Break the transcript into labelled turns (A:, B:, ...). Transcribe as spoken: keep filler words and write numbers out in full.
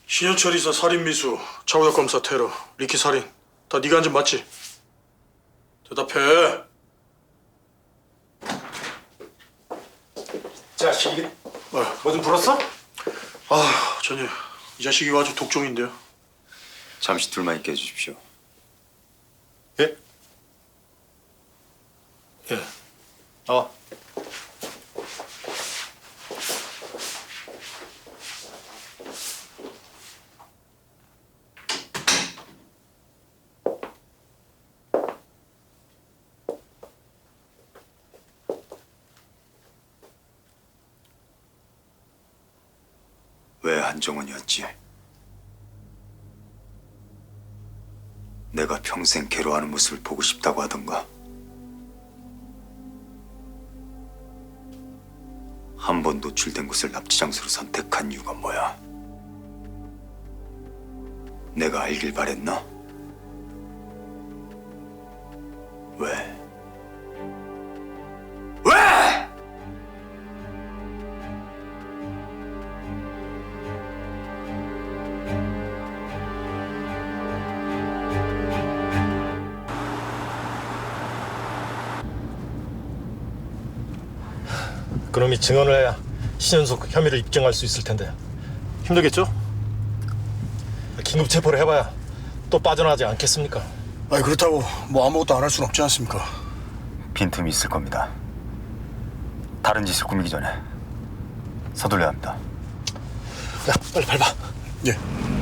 A: 신현철 이사 살인 미수, 차우혁 검사 테러, 리키 살인 다 네가 한 짓 맞지? 대답해.
B: 자식이
A: 아,
B: 뭐 좀 불었어?
A: 아, 전혀 이 자식이 아주 독종인데요.
C: 잠시 둘만 있게 해주십시오.
B: 예?
A: 예.
B: 어.
C: 왜 한정원이었지? 내가 평생 괴로워하는 모습을 보고 싶다고 하던가. 한 번 노출된 곳을 납치 장소로 선택한 이유가 뭐야? 내가 알길 바랬나? 왜? 왜?
D: 그놈이 증언을 해야 신현석 혐의를 입증할 수 있을 텐데
B: 힘들겠죠?
D: 긴급 체포를 해봐야 또 빠져나가지 않겠습니까?
A: 아니 그렇다고 뭐 아무것도 안 할 수는 없지 않습니까?
C: 빈틈이 있을 겁니다. 다른 짓을 꾸미기 전에 서둘러야 합니다.
D: 야, 빨리 밟아.
A: 예.